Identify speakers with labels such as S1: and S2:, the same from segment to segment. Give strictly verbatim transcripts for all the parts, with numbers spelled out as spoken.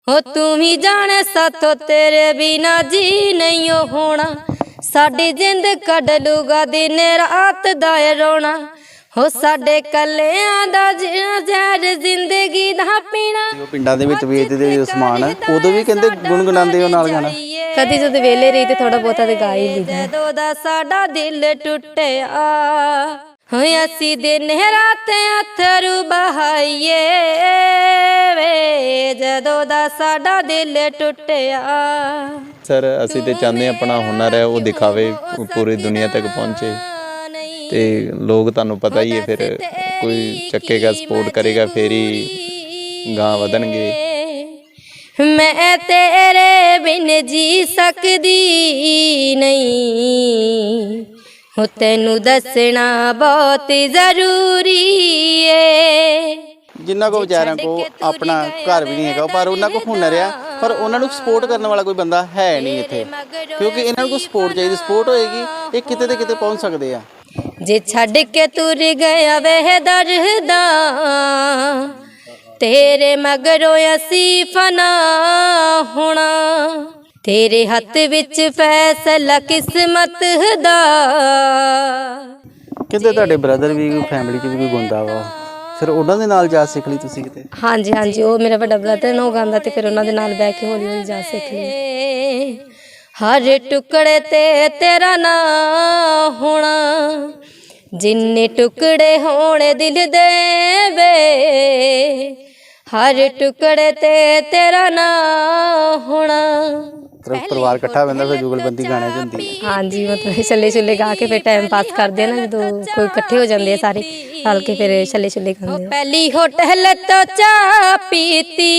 S1: हो तू ही जाने साथों तेरे बिना जी नहीं होना, साडी जिंद कढ लूगा दिन रात दा रोना। हो साडे कलियां दा जहर जिंदगी दा पीना।
S2: पिंडां दे विच वेचदे जो समान उदों भी कहंदे गुणगुणांदे हो नाल गाना।
S1: कदी जद वेले रही ते थोड़ा बहुता ते गा ही लीदा। जदों दा साडा दिल टुटिया होए असी दिन रात अथरू बहाइए वे, जदों दा साडा दिल टुटिया।
S3: सर असी तो चाहते अपना हुनर है वो दिखावे, पूरी दुनिया तक पहुँचे ते लोग तुहानू पता ही है, फिर कोई चक्केगा सपोर्ट करेगा फिर ही गां वधणगे।
S1: मैं तेरे बिन जी सकदी नहीं, हो तैनू दसना बहुत जरूरी है।
S2: जिन्ना को बेचारियां को अपना घर भी नहीं है पर उन्होंने को हुनर है, पर उन्होंने सपोर्ट करने वाला कोई बंदा है नहीं इत्थे, क्योंकि इन्होंने को सपोर्ट चाहिए। सपोर्ट होएगी ये किते ते किते पहुंच सकते हैं।
S1: जे छड़ के तुर गया वह दर्दा तेरे मगरों असी फना होना, तेरे हथ विच फैसला किस्मत दा।
S2: कहते तुहाडे ब्रदर भी फैमिली च भी कोई गांदा वा, फिर उन्हां दे नाल जा सिख ली तुसीं किते?
S1: हाँ जी हाँ जी, वो मेरा बड़ा ब्रदर ने गांदा ते फिर उन्हां दे नाल बैठ के हौली हौली जा सिख ली। हर टुकड़े ते तेरा ना होना, जिन्ने टुकड़े होने दिल दे वे, हर टुकड़े ते तेरा ना होना।
S2: परिवार इकट्ठा बंदा फिर जुगलबंदी गाने च हुंदी है।
S1: हाँ जी, मतलब छल्ले छुल्ले गा के फिर टाइम पास करते हैं ना, जो कोई इकट्ठे हो जाते हैं सारे रल के फिर छल्ले छुल्ले गाते। पहली होटल तो चाह पीती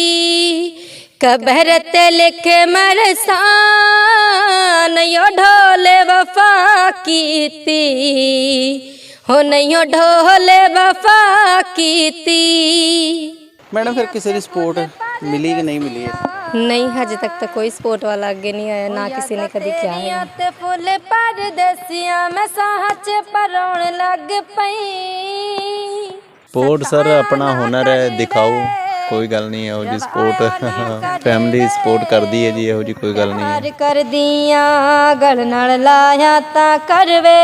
S1: कबर ते लिखे मरसा, नहीं ढोले वफा कीती, हो नहीं ढोले वफा कीती।
S2: मैडम फिर किसी की सपोर्ट मिली कि नहीं मिली है?
S1: नहीं, हजे तक तो कोई सपोर्ट वाला आगे नहीं आया, ना किसी ने कभी किया है। फुल पर दसिया मैं साहच परोण लग पई।
S3: सपोर्ट सर अपना हुनर है दिखाओ, कोई गल नहीं है जी। सपोर्ट फैमिली सपोर्ट करती है जी, यहो जी कोई गल नहीं है।
S1: कर दिया गल नाल लाया ता करवे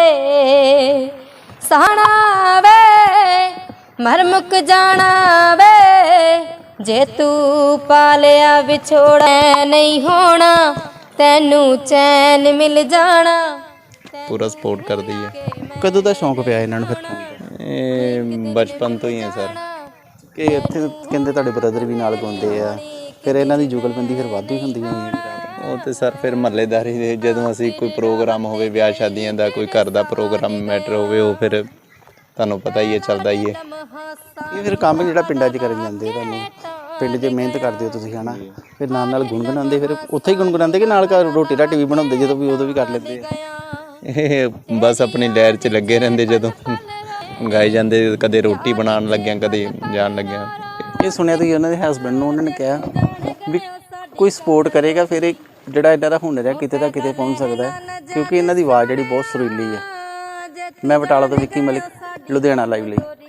S1: सहना वे, मर मुक जाना वे, जे तू पालिया विछोड़ा नहीं होना, तैनू चैन मिल जाना।
S3: पूरा सपोर्ट कर दी है।
S2: कदों दा शौक पिया इन्हां नूं फिर?
S3: ये बचपन तो ही है सर।
S2: कि इत्थे कहंदे तुहाडे ब्रदर भी नाल गाउंदे आ, फिर इन्हां दी जुगलबंदी फिर वाधू ही हुंदी होनी।
S3: ਉਹ ਤੇ ਸਰ ਫਿਰ ਮਹੱਲੇਦਾਰੀ ਦੇ ਜਦੋਂ ਅਸੀਂ ਕੋਈ ਪ੍ਰੋਗਰਾਮ ਹੋਵੇ, ਵਿਆਹ ਸ਼ਾਦੀਆਂ ਦਾ ਕੋਈ ਘਰ ਦਾ ਪ੍ਰੋਗਰਾਮ ਮੈਟਰ ਹੋਵੇ, ਉਹ ਫਿਰ ਤੁਹਾਨੂੰ ਪਤਾ ਹੀ ਹੈ ਚੱਲਦਾ ਹੀ ਹੈ।
S2: ਇਹ ਫਿਰ ਕੰਮ ਜਿਹੜਾ ਪਿੰਡਾਂ 'ਚ ਕਰਨ ਜਾਂਦੇ ਤੁਹਾਨੂੰ, ਪਿੰਡ 'ਚ ਮਿਹਨਤ ਕਰਦੇ ਹੋ ਤੁਸੀਂ ਹਨਾ, ਫਿਰ ਨਾਲ ਨਾਲ ਗੁਣਗੁਣਾਉਂਦੇ, ਫਿਰ ਉੱਥੇ ਹੀ ਗੁਣਗੁਣਾਉਂਦੇ ਕਿ ਨਾਲ ਘਰ ਰੋਟੀ ਰਾਟੀ ਵੀ ਬਣਾਉਂਦੇ ਜਦੋਂ ਵੀ ਉਦੋਂ ਵੀ ਕਰ ਲੈਂਦੇ ਆ?
S3: ਇਹ ਬਸ ਆਪਣੀ ਲਹਿਰ 'ਚ ਲੱਗੇ ਰਹਿੰਦੇ, ਜਦੋਂ ਗਾਏ ਜਾਂਦੇ, ਕਦੇ ਰੋਟੀ ਬਣਾਉਣ ਲੱਗਿਆ, ਕਦੇ ਜਾਣ ਲੱਗਿਆ।
S2: ਇਹ ਸੁਣਿਆ ਤੁਸੀਂ ਉਹਨਾਂ ਦੇ ਹਸਬੈਂਡ ਨੂੰ, ਉਹਨਾਂ ਨੇ ਕਿਹਾ ਵੀ ਕੋਈ ਸਪੋਰਟ ਕਰੇਗਾ ਫਿਰ ਇਹ ਜਿਹੜਾ ਇਹਨਾਂ ਦਾ ਹੁਨਰ ਹੈ ਕਿਤੇ ਤਾਂ ਕਿਤੇ ਪਹੁੰਚ ਸਕਦਾ ਹੈ, ਕਿਉਂਕਿ ਇਹਨਾਂ ਦੀ ਆਵਾਜ਼ ਜਿਹੜੀ ਬਹੁਤ ਸੁਰੀਲੀ ਹੈ। ਮੈਂ ਬਟਾਲਾ ਤੋਂ ਵਿੱਕੀ ਮਲਿਕ, ਲੁਧਿਆਣਾ ਲਾਈਵ ਲਈ।